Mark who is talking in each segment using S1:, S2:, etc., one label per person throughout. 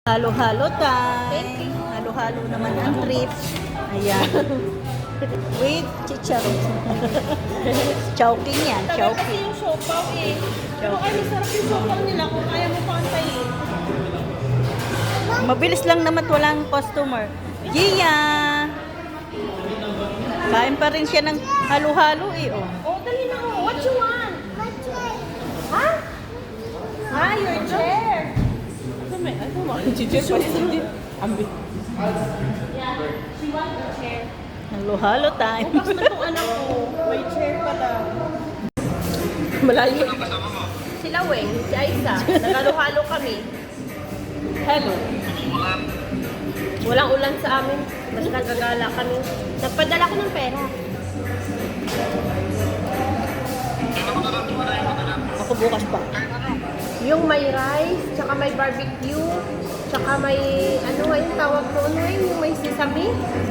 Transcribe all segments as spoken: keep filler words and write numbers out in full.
S1: Halo-halo time. Halo-halo naman ang trip. Ayan. With chicharon. Chowking yan.
S2: Tagal kasi
S1: Chowking.
S2: yung siopaw eh. Pero ay masarap yung siopaw nila kung kaya mo pantayin.
S1: Mabilis lang naman walang customer. Gia! Kain pa rin siya ng halo-halo eh. Oh.
S2: Oh, dali na oh. What you want? Ha? Ah, your chair. Ano may, ano mo? Chichir pa siya. Ambi. Yeah, she wants a chair.
S1: Halo-halo time.
S2: Bukas na itong anak ko. May chair pa daw. Malayo. Sila Weng, si Aisa. Nagalo-halo kami. Hello. Walang ulan sa amin. Mas nagagala kami. Nagpadala ko ng pera.
S1: Ako bukas pa.
S2: Yung may rice, tsaka may barbecue, tsaka may, ano nga yung tawag mo, ano yun, yung may sesame?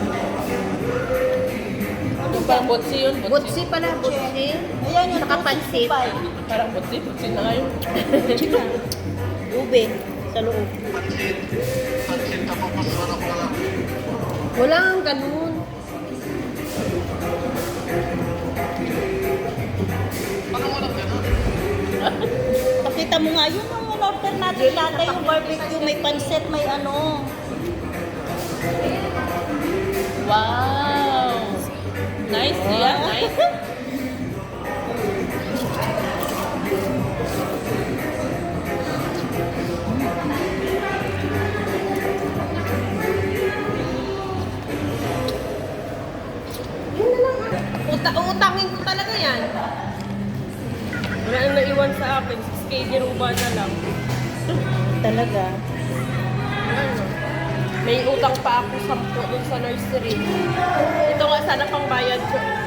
S3: Ano ba? Botsi yun?
S2: Butsi pala, butsi.
S1: Ayan yung
S2: Tsaka pansit.
S3: Parang botsi. Botsi na ngayon.
S1: Ube. Sa loob.
S2: Walang ganun.
S1: Pakita mo nga yun ang order natin dati yung barbecue. May pansit, may ano.
S3: Wow! Nice, yeah, nice.
S2: Uta utangin ko talaga yan. Wala nang naiwan sa akin. six K giruba na lang.
S1: Talaga.
S2: Ano? May utang pa ako sampu dun sa nursery. Ito nga sana pang bayad ko.